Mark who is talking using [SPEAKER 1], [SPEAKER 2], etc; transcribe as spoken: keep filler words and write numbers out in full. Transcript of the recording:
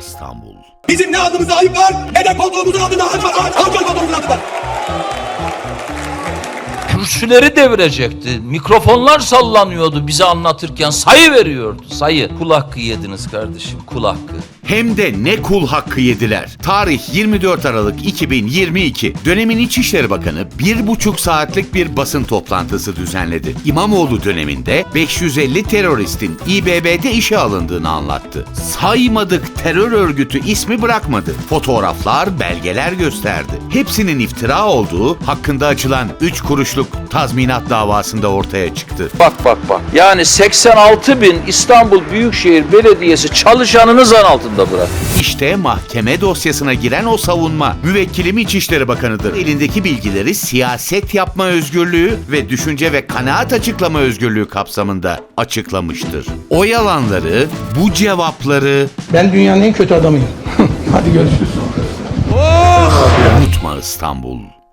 [SPEAKER 1] İstanbul.
[SPEAKER 2] Bizim ne adımıza ayıp var, ne de koltuğumuzun adına ağaç var, ağaç, ağaç koltuğumuzun adı var.
[SPEAKER 3] Kürsüleri devirecekti. Mikrofonlar sallanıyordu bize anlatırken. Sayı veriyordu, sayı. Kul hakkı yediniz kardeşim, kul hakkı.
[SPEAKER 1] Hem de ne kul hakkı yediler. Tarih yirmi dört Aralık iki bin yirmi iki. Dönemin İçişleri Bakanı bir buçuk saatlik bir basın toplantısı düzenledi. İmamoğlu döneminde beş yüz elli teröristin İ B B'de işe alındığını anlattı. Saymadık terör örgütü ismi bırakmadı. Fotoğraflar, belgeler gösterdi. Hepsinin iftira olduğu hakkında açılan üç kuruşluk tazminat davasında ortaya çıktı.
[SPEAKER 3] Bak bak bak. Yani seksen altı bin İstanbul Büyükşehir Belediyesi çalışanını zan altında bırak.
[SPEAKER 1] İşte mahkeme dosyasına giren o savunma. Müvekkilim İçişleri Bakanı'dır. Elindeki bilgileri siyaset yapma özgürlüğü ve düşünce ve kanaat açıklama özgürlüğü kapsamında açıklamıştır. O yalanları, bu cevapları
[SPEAKER 4] Ben dünyanın en kötü adamıyım. Hadi görüşürüz.
[SPEAKER 1] unutma İstanbul.